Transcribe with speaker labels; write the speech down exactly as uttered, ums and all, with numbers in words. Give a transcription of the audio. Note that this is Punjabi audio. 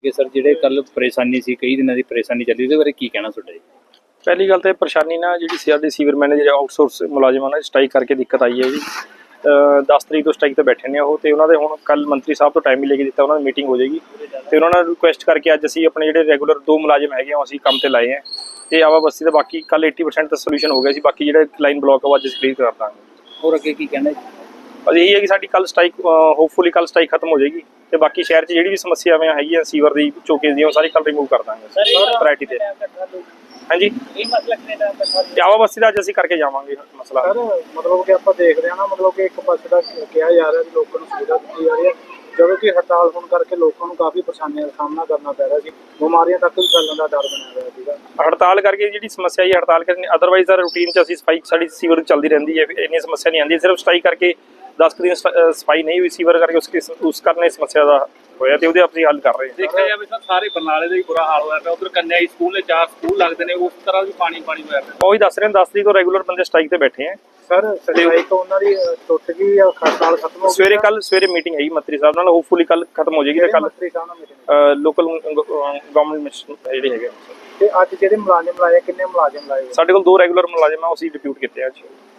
Speaker 1: कि सर ਜਿਹੜੇ ਕੱਲ ਪਰੇਸ਼ਾਨੀ ਸੀ ਕਈ ਦਿਨਾਂ ਦੀ ਪਰੇਸ਼ਾਨੀ ਚੱਲੀ ਉਹਦੇ ਬਾਰੇ ਕੀ ਕਹਿਣਾ ਤੁਹਾਡਾ ਜੀ?
Speaker 2: ਪਹਿਲੀ ਗੱਲ ਤਾਂ ਪਰੇਸ਼ਾਨੀ ਨਾ ਜਿਹੜੀ ਸੀਆਰਡੀ ਸੀਵਰ ਮੈਨੇਜਰ ਆਊਟਸੋਰਸ ਮੁਲਾਜ਼ਮਾਂ ਨਾਲ ਸਟ੍ਰਾਈਕ ਕਰਕੇ ਦਿੱਕਤ ਆਈ ਹੈ ਜੀ। ਦਸ ਤਰੀਕ ਤੋਂ ਸਟ੍ਰਾਈਕ ਤੇ ਬੈਠੇ ਨੇ ਉਹ, ਤੇ ਉਹਨਾਂ ਦੇ ਹੁਣ ਕੱਲ ਮੰਤਰੀ ਸਾਹਿਬ ਤੋਂ ਟਾਈਮ ਵੀ ਲੈ ਕੇ ਦਿੱਤਾ, ਉਹਨਾਂ ਦੀ ਮੀਟਿੰਗ ਹੋ ਜਾਏਗੀ ਤੇ ਉਹਨਾਂ ਨਾਲ ਰਿਕੁਐਸਟ ਕਰਕੇ ਅੱਜ ਅਸੀਂ ਆਪਣੇ ਜਿਹੜੇ ਰੈਗੂਲਰ ਦੋ ਮੁਲਾਜ਼ਮ ਹੈਗੇ ਆ ਅਸੀਂ ਕੰਮ ਤੇ ਲਾਏ ਆ ਤੇ ਆਵਾ ਬਸਤੀ ਦਾ ਬਾਕੀ ਕੱਲ अस्सी परसेंट ਦਾ ਸੋਲੂਸ਼ਨ ਹੋ ਗਿਆ ਸੀ। ਬਾਕੀ ਜਿਹੜਾ ਲਾਈਨ ਬਲੌਕ ਉਹ ਅੱਜ ਅਸੀਂ ਕਲੀਅਰ ਕਰ ਦਾਂਗੇ।
Speaker 1: ਹੋਰ ਅੱਗੇ ਕੀ ਕਹਿਣਾ ਜੀ?
Speaker 2: ਬਸ ਇਹੀ ਹੈ ਕਿ ਸਾਡੀ ਕੱਲ ਸਟ੍ਰਾਈਕ ਹੋਪਫੁਲੀ ਕੱਲ ਸਟ੍ਰਾਈਕ ਖਤਮ ਹੋ ਜਾਏਗੀ ਤੇ ਬਾਕੀ ਸ਼ਹਿਰ 'ਚ ਜਿਹੜੀ ਵੀ ਸਮੱਸਿਆਵਾਂ ਹੈਗੀਆਂ ਸੀਵਰ ਦੀ ਚੋਕੇਜ ਦੀਆਂ ਉਹ ਸਾਰੀ ਕੱਲ ਰਿਮੂਵ ਕਰ ਦਾਂਗੇ ਪ੍ਰਾਇਰਟੀ ਤੇ। ਹਾਂਜੀ ਤੇ ਆਵਾ ਬਸਤੀ ਦਾ ਅੱਜ ਅਸੀਂ ਕਰਕੇ ਜਾਵਾਂਗੇ ਮਸਲਾ।
Speaker 3: ਸਰ ਮਤਲਬ ਕਿ ਆਪਾਂ ਦੇਖਦੇ ਹਾਂ ਨਾ, ਮਤਲਬ ਕਿ ਇੱਕ ਪਾਸੇ ਦਾ ਕਿਹਾ ਜਾ ਰਿਹਾ ਕਿ ਲੋਕਾਂ ਨੂੰ ਸੁਵਿਧਾ ਦਿੱਤੀ ਜਾ ਰਹੀ ਹੈ, ਜਦੋਂ ਕਿ ਹੜਤਾਲ ਹੋਣ ਕਰਕੇ ਲੋਕਾਂ ਨੂੰ ਕਾਫੀ ਪਰੇਸ਼ਾਨੀਆਂ ਦਾ ਸਾਹਮਣਾ ਕਰਨਾ ਪੈ ਰਿਹਾ ਸੀ, ਬਿਮਾਰੀਆਂ ਤੱਕ ਵੀ ਫੈਲਣ ਦਾ ਡਰ ਬਣਿਆ ਹੋਇਆ ਸੀਗਾ।
Speaker 2: ਹੜਤਾਲ ਕਰਕੇ ਜਿਹੜੀ ਸਮੱਸਿਆ ਹੈ ਹੜਤਾਲ ਕਰਨੀ, ਅਦਰਵਾਈਜ਼ ਸਰ ਰੂਟੀਨ 'ਚ ਅਸੀਂ ਸਫਾਈ ਸਾਡੀ ਸੀਵਰ ਚੱਲਦੀ ਰਹਿੰਦੀ ਹੈ, ਇੰਨੀ ਸਮੱਸਿਆ ਨਹੀਂ ਆਉਂਦੀ। ਸਿਰਫ ਸਟ੍ਰਾਈਕ ਕਰਕੇ ਦਸ ਕੁ ਦਿਨ ਸਫਾਈ ਨਹੀਂ ਹੋਈ ਸੀਵਰ ਕਰਕੇ ਉਸ ਉਸ ਕਾਰਨ ਇਸ ਸਮੱਸਿਆ ਦਾ ਹੋਇਆ ਤੇ ਉਹਦੇ ਅਸੀਂ ਹੱਲ ਕਰ ਰਹੇ ਹਾਂ।
Speaker 4: ਦੇਖਿਆ ਜਾਵੇ ਸਰ ਸਾਰੇ ਬਰਨਾਲੇ ਦਾ ਹੀ ਬੁਰਾ ਹਾਲ ਹੋਇਆ ਪਿਆ। ਉਧਰ ਕੰਨਿਆ ਸਕੂਲ ਨੇ ਚਾਰ ਸਕੂਲ ਲੱਗਦੇ ਨੇ, ਉਸ ਤਰ੍ਹਾਂ ਵੀ ਪਾਣੀ ਪਾਣੀ ਹੋਇਆ ਪਿਆ।
Speaker 2: ਉਹੀ ਦੱਸ ਰਹੇ ਹਾਂ, ਦਸ ਤਰੀਕ ਤੋਂ ਰੈਗੂਲਰ ਬੰਦੇ ਸਟ੍ਰਾਈਕ ਤੇ ਬੈਠੇ ਆ
Speaker 3: ਸਰ ਸਟ੍ਰਾਈਕ ਉਹਨਾਂ ਦੀ ਟੁੱਟ ਗਈ ਜਾਂ ਹੜਤਾਲ ਖਤਮ ਹੋ ਗਈ?
Speaker 2: ਸਵੇਰੇ ਕੱਲ ਸਵੇਰੇ ਮੀਟਿੰਗ ਹੈਗੀ ਮੰਤਰੀ ਸਾਹਿਬ ਨਾਲ, ਹੋਪਫੁਲੀ ਕੱਲ ਖਤਮ ਹੋ ਜਾਏਗੀ ਤੇ ਕੱਲ
Speaker 3: ਮੰਤਰੀ ਸਾਹਿਬ ਨਾਲ ਮੀਟਿੰਗ
Speaker 2: ਲੋਕਲ ਗਵਰਨਮੈਂਟ ਜਿਹੜੇ ਹੈਗੇ।
Speaker 3: ਤੇ ਅੱਜ ਜਿਹੜੇ ਮੁਲਾਜ਼ਮ ਲਾਏ ਕਿੰਨੇ ਮੁਲਾਜ਼ਮ ਲਾਏ?
Speaker 2: ਸਾਡੇ ਕੋਲ ਦੋ ਰੈਗੂਲਰ ਮੁਲਾਜ਼ਮ ਆ, ਅਸੀਂ ਡਿਪਿਊਟ ਕੀਤੇ ਆ ਅੱਜ।